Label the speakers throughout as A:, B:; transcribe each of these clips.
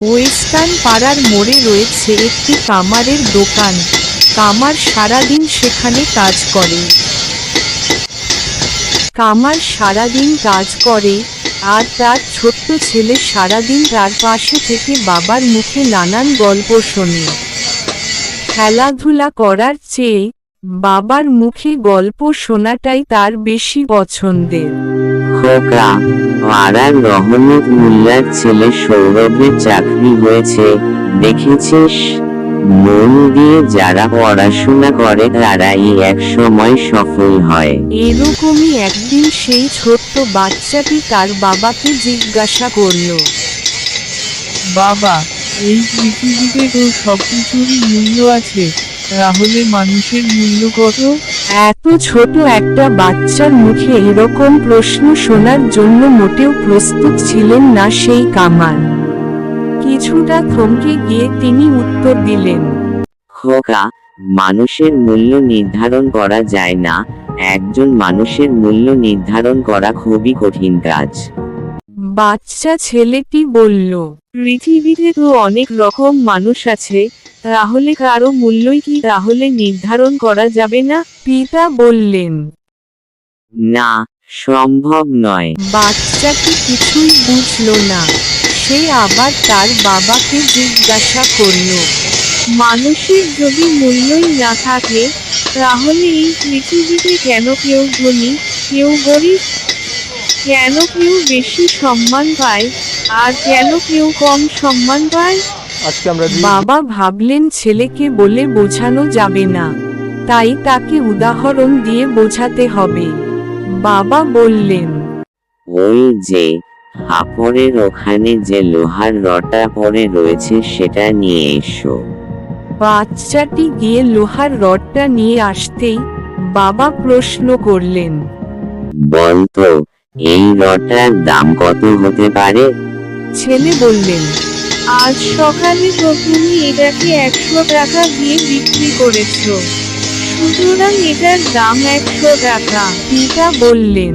A: Western পাড়ার মোড়ে রয়েছে একটি কামারের দোকান। কামার সারাদিন সেখানে কাজ করে। কামার সারাদিন কাজ করে আর তার ছোট্ট ছেলে সারাদিন তার পাশে থেকে বাবার মুখে নানান গল্প শোনে। খেলাধুলা করার চেয়ে বাবার মুখে গল্প শোনাটাই তার বেশি পছন্দের।
B: খোকা, পাড়ার রহমত মোল্লার ছেলে সৌরভের চাকরি হয়েছে, দেখেছিস? মন দিয়ে যারা পড়াশোনা করে তারাই একসময় সফল হয়।
A: এরকমই একদিন সেই ছোট্ট বাচ্চাটি তার বাবাকে জিজ্ঞাসা করল,
C: বাবা, এই পৃথিবীতে তো সবকিছুরই মূল্য আছে, তাহলে মানুষের মূল্য কত?
A: এত ছোট একটা বাচ্চার মুখে এরকম প্রশ্ন শোনার জন্য মোটেও প্রস্তুত ছিলেন না সেই কামার। কিছুটা থমকে গিয়ে তিনি উত্তর দিলেন,
B: খোকা, মানুষের মূল্য নির্ধারণ করা যায় না, একজন মানুষের মূল্য নির্ধারণ করা খুবই কঠিন কাজ।
A: বাচ্চা ছেলেটি বলল, পৃথিবীতে তো অনেক রকম মানুষ আছে, তাহলে কারো মূল্যই কি তাহলে নির্ধারণ করা যাবে না? পিতা বললেন।
B: না, সম্ভব নয়।
A: বাচ্চাটি কিছুই বুঝল না। সে আবার তার বাবাকে জিজ্ঞাসা করল, মানুষের যদি মূল্যই না থাকে, তাহলে এই পৃথিবীতে কেন কেউ ধনী, কেউ গরিব? কেন কেউ বেশি সম্মান পায় আর কেন কেউ কম সম্মান পায়? বাবা ভাবলেন ছেলেকে বলে বোঝানো যাবে না, তাই তাকে উদাহরণ দিয়ে বোঝাতে হবে। বাবা বললেন,
B: ওই যে হাপড়ের ওখানে যে লোহার রডটা পড়ে রয়েছে সেটা নিয়ে এসো।
A: বাচ্চাটি গিয়ে লোহার রডটা নিয়ে আসতেই বাবা প্রশ্ন করলেন,
B: বলতো, এই রডটার দাম কত হতে পারে?
A: ছেলে বললেন, আজ সকালে তো তুমি এটাকে 100 টাকা দিয়ে বিক্রি করেছো, সুতরাং এটার দাম 100 টাকা। পিতা বললেন,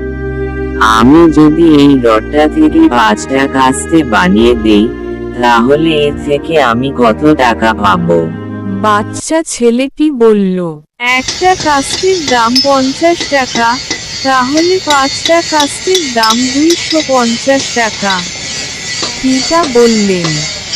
B: আমি যদি এই রডটা থেকে 5 টাকা আস্তে বানিয়ে দেই, তাহলে এর থেকে আমি কত টাকা পাবো?
A: বাচ্চা ছেলেটি বলল, একটা কাস্তের দাম 50 টাকা, তাহলে 5টা কাস্তের দাম 250 টাকা। পিতা বললেন,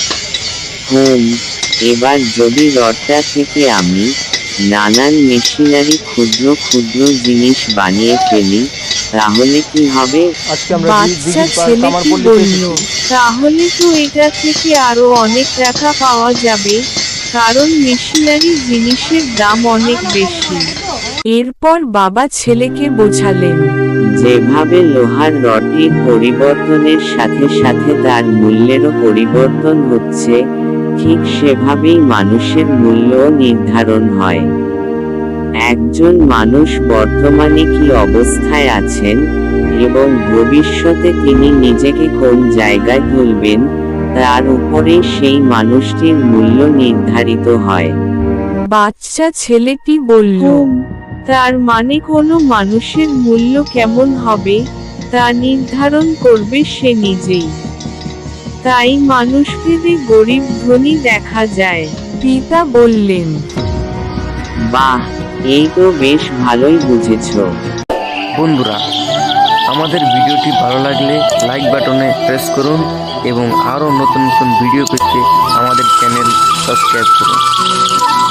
B: এবার যদি রডটা থেকে আমি নানান মেশিনারি ক্ষুদ্র ক্ষুদ্র জিনিস বানিয়ে ফেলি, তাহলে কি হবে?
A: বাচ্চা ছেলেটি বলল, তাহলে তো এটা থেকে আরো অনেক টাকা পাওয়া যাবে, কারণ মেশিনারি জিনিসের দাম অনেক বেশি। এরপর বাবা ছেলেকে বোঝালেন,
B: যেভাবে লোহার রডটির পরিবর্তনের সাথে সাথে তার মূল্যেরও পরিবর্তন হচ্ছে, ঠিক সেভাবেই মানুষের মূল্যও নির্ধারণ হয়। একজন মানুষ বর্তমানে কি অবস্থায় আছেন এবং ভবিষ্যতে তিনি নিজেকে কোন জায়গায় তুলবেন, তার উপরেই সেই মানুষটির মূল্য নির্ধারিত হয়।
A: বাচ্চা ছেলেটি বলল, তার মানে কোনো মানুষের মূল্য কেমন হবে তা নির্ধারণ করবে সে নিজেই। তাই মানুষভেদে গরিব ধনী দেখা যায়। পিতা বললেন,
B: বাহ, এই তো বেশ ভালোই বুঝেছো।
D: বন্ধুরা, আমাদের ভিডিওটি ভালো লাগলে লাইক বাটনে প্রেস করুন এবং আরও নতুন নতুন ভিডিও পেতে আমাদের চ্যানেল সাবস্ক্রাইব করুন।